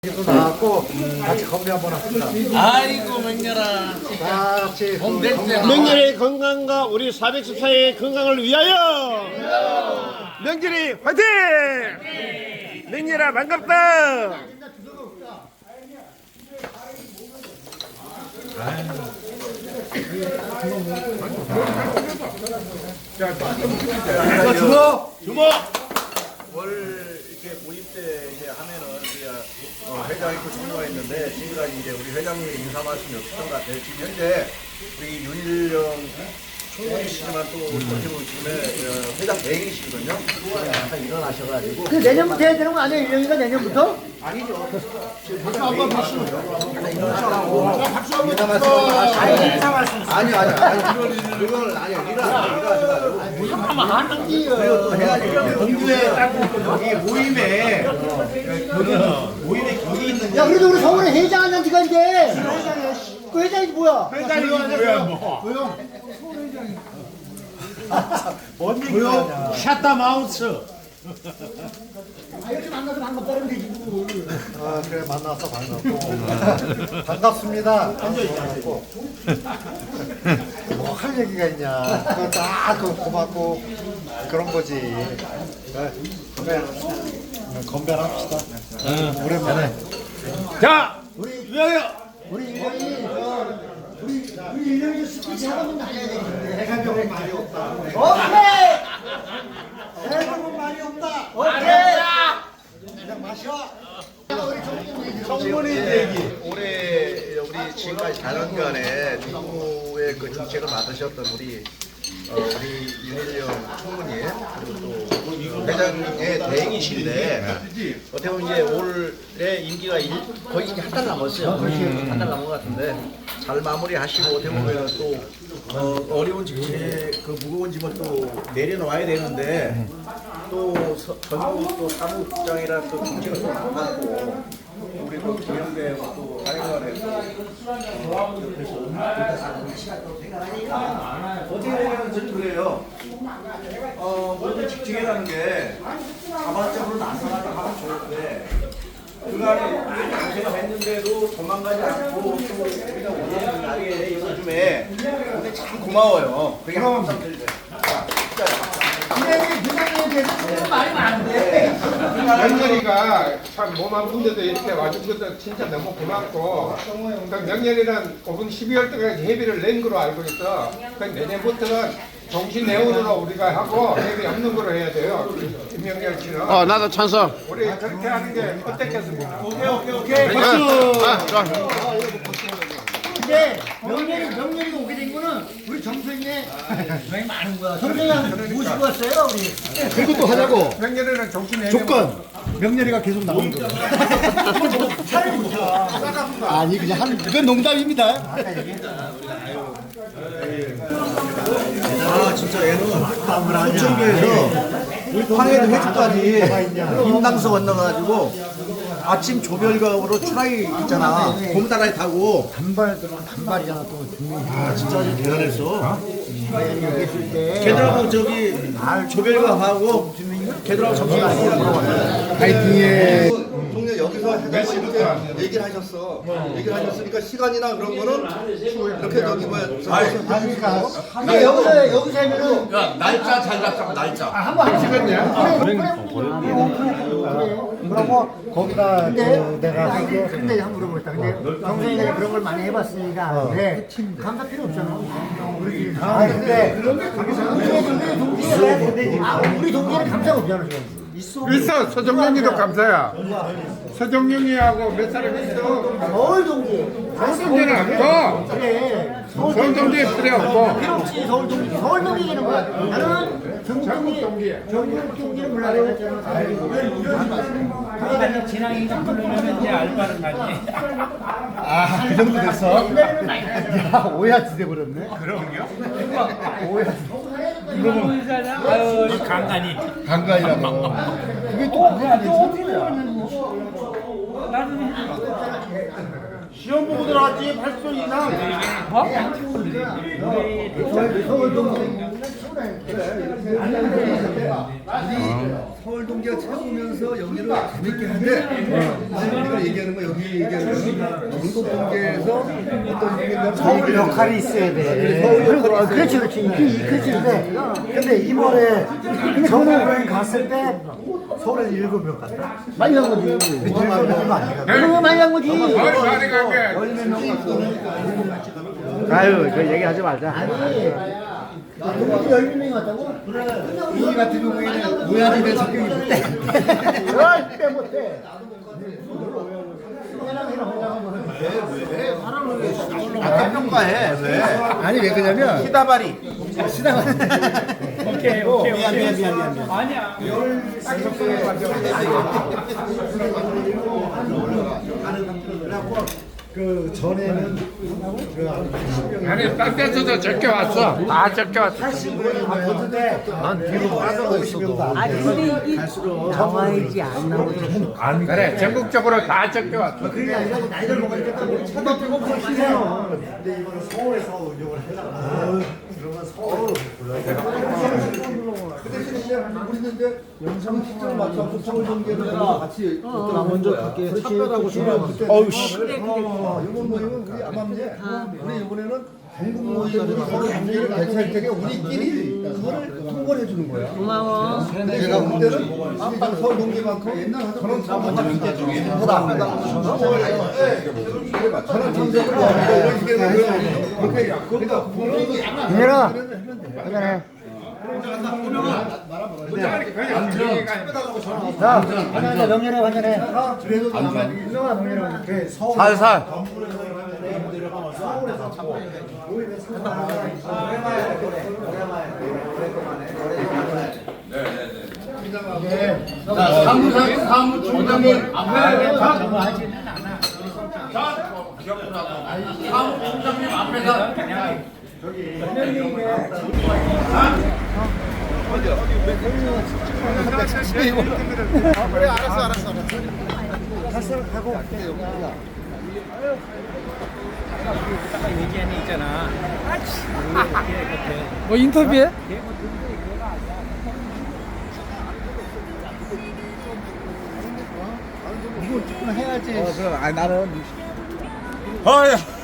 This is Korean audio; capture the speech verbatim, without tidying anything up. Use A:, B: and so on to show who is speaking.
A: 도 나왔고 같이 건배 한번 합시다.
B: 아이고 맹렬아.
A: 같이 그 건강-
C: 명절의 건강과 우리 사백십사의 건강을 위하여 명절이 화이팅! 명절아 반갑다.
A: 자, 주로
C: 주모.
D: 월 이렇게 모임 때 이제 하면은 우리 어, 회장 있고 총무가 있는데 지금까지 이제 우리 회장님 인사 말씀이 없었던 것 같아요. 지금 현재 우리 윤일영 총무이시지만 또 어떻게 보면 지금의 어, 회장 대행이시거든요. 잠깐 일어나셔가지고
E: 그 내년부터 해야 되는 거 아니에요? 일년이가 내년부터?
D: 아니죠. 지금 회장 대행이시거든요. 잠깐 일어나셔가지고 인사 말씀 하시고 인사 말씀 아니요 아니요 아니 그걸 아니요 일어나 일어나셔가지고 그리고 또 해야지
A: 동주에 여기 모임에 모임에 격이 있는
E: 야, 그래도 우리 서울에 회장 한 지가 이제. 그 회장이 뭐야?
A: 회장이 뭐야 뭐 조용 뭔 얘기야
C: 샷다 마우스.
E: 아, 이렇게 만나서 반갑다는 되지. 뭐.
A: 아 그래 만나서 반갑고 반갑습니다. 반갑고 뭐 할 얘기가 있냐 그거 딱 그 고맙고 그런 거지. 네, 건배 건배를 합시다. 오랜만에
C: 자, 위하여.
E: 우리 일년이, 저, 우리, 우리 일년이 스피치 하나만 날려야 되겠는데.
A: 내가 병은 말이 없다.
E: 오케이!
A: 내가 병은 말이 없다.
E: 오케이!
A: 그냥 마셔.
D: 청문회 얘기. 올해 우리 지금까지 사 년간의 정부의 그 정책을 맡으셨던 우리 어, 우리 윤일영 총무님 그리고 또 회장님의 대행이신데 어떻게 보면 이제 올해 임기가 일, 거의 이제 한 달 남았어요. 한 달 남은 것 같은데 잘 마무리하시고 어떻게 보면 또 어, 어려운 정책 그 무거운 짐을 또 내려놓아야 되는데 또 서- 전국 또 사무국장이라 또 정책을 또 맡았고 우리 또 김영대 또 사회관에 어떻게 보면 저는 그래요. 어, 모든 직책이라는 게 자발적으로 나서나가 하면 좋은데 그간에 많이 고생을 했는데도 도망가지 않고 또 우리가 원하는 자리에 요즘에 근데 참 고마워요. 그게 항상 들려요. 자, 진짜.
E: 부장님, 부장님에 대해서 조금 말이 많은데.
F: 명렬이가 참 몸 아픈데도 이렇게 와준 것도 진짜 너무 고맙고 그 명렬이는 오분 십이월 때까지 회비를 낸 거로 알고 있어. 그 내년부터는 정신 내원으로 우리가 하고 회비 없는 거로 해야 돼요. 김명렬 씨는
C: 어, 나도 찬성.
F: 우리 그렇게 하는 게 어떻겠습니까?
A: 오케이 오케이 오케이.
C: 박수. 아, 좋아.
E: 근데 명렬이, 명렬이가 오게 된 거는 우리 정선이의 굉장히 많은 거야. 정선이 모시고 왔어요, 우리.
A: 그리고 또 하자고.
F: 명렬이는 정신 내원
A: 조건 명렬이가 계속 나오는 거. 아니 그냥 한 그건 농담입니다.
D: 아 진짜 얘는 부천교에서 황해도 회주까지 인당서 건너가지고 아침 조별각으로 추라이 있잖아 곰다라이 타고
A: 단발 단발이잖아 또 중요해.
D: 아 진짜 아주 대단했어
E: 얘기했을 때.
D: 걔들하고 저기 조별각하고 걔들하고 점심
A: 파이팅해.
D: 동네 여기서 회장님한테 얘기를 하셨어 얘기를 하셨으니까 시간이나 그런 거는 이렇게 저기 뭐야
A: 하니까
E: 근데 여기서, 여기서 하면은.
B: 날짜 잘 잡자고 날짜.
E: 아, 한번 하시겠냐?
A: 그러고 거기다
E: 근데
A: 그 내가
E: 아니, 근데 근데 한번 물어보겠다. 근데 정선이가 그런 걸 많이 해봤으니까 근데 감사 필요 없잖아. 우리
A: 아 근데
E: 우리 우리 동기가 아 우리 동기는 감사가 없잖아 지금.
F: 있어. 서정영이도 감사야. 서정영이하고 몇 사람 있어.
E: 서울 동기.
F: 서정영은 없고
E: 그래. 서울
F: 서울 동기에 필요 없고
E: 필요 없이 서울 동기. 서울 동기 얘기는 뭐야? 나는 전국 동기. 전국 동기는 몰라 내가 했잖아.
B: 진앙이가 부르면 이제 알바를 가지.
A: 아그 정도 됐어? 야 오야지 돼버렸네.
B: 아유 간간히.
A: 간간이라고. 그게 또 그게 아니지.
C: 시험 보고 들어왔지. 팔 점 이상.
E: 서울 동기. 서울 동계가 최고면서 여기를 재밌게 하는데 우리가 얘기하는 거 여기 얘기하는 거 전국 동계에서 어떤 얘기냐면
A: 서울 역할이 있어야 돼.
E: 서울
A: 그렇지, 그렇지. 이 그렇지. 근데, 근데 이번에 전국여행 갔을 때 서울에 일곱 명 갔다.
E: 많이 간 거지.
A: 일곱 명도 아니야.
E: 그거 많이 간 거지.
F: 어이 많이 간게
C: 아유, 그 얘기하지 말자.
E: 여기 열몇 명이 왔다고? 이 같은 경우에는 우야지대 성격이 못돼. 절대 못해.
B: 아, 평가해. 왜?
E: 아니 왜 그러냐면
B: 시다바리.
E: 시다바리.
B: 오케이, 오케이,
E: 미안 미안 미안 미안 미안.
B: 아니야.
A: 그 전에는
C: 아니, 딴 데서도 적게 왔어. 다 적게 왔어.
A: 팔십 명이 왔는데 난 뒤로 빠져 있어도
G: 아니 근데 이게 나와야지 안 나오지.
C: 그래, 전국적으로 다 적게 왔어.
A: 그게 아니라 나이를 먹으니까 또 쳐다보고 보시잖아. 근데 이거는 서울에서 운영을 해라. 그러면 서울
E: 우리는 영상 시점을 맞춰서 서울 동계를 같이 나 먼저 갈게. 차별하고 싶어.
C: 어우, 씨.
E: 이번 모임은 우리 암암제 우리 이번에는 전국 모임으로 서로 관계를 개최할 때에 우리끼리 그거를 통보를 해주는 거야.
G: 고마워.
E: 근데 제가 볼 때는 아까 서울 동계만큼 옛날 하던 저는 먼저 문제 중에 보다 저는 참석을 좋아하는데 이런 식으로 그렇게 그러니까 분위기
A: 얘들아 그래. 자, 환영해, 명예래 환영해. 그래도 유명한 명예래 환영해. 서울
C: 살살.
B: 자, 사무장, 사무총장님 앞에. 사무총장님 앞에서 그냥.
E: 그래 알았어 알았어 알았어.
A: 갔어 가고.
B: 얘기하는 있잖아.
C: 뭐 인터뷰해?
E: 이거 조금 해야지.
C: 어야.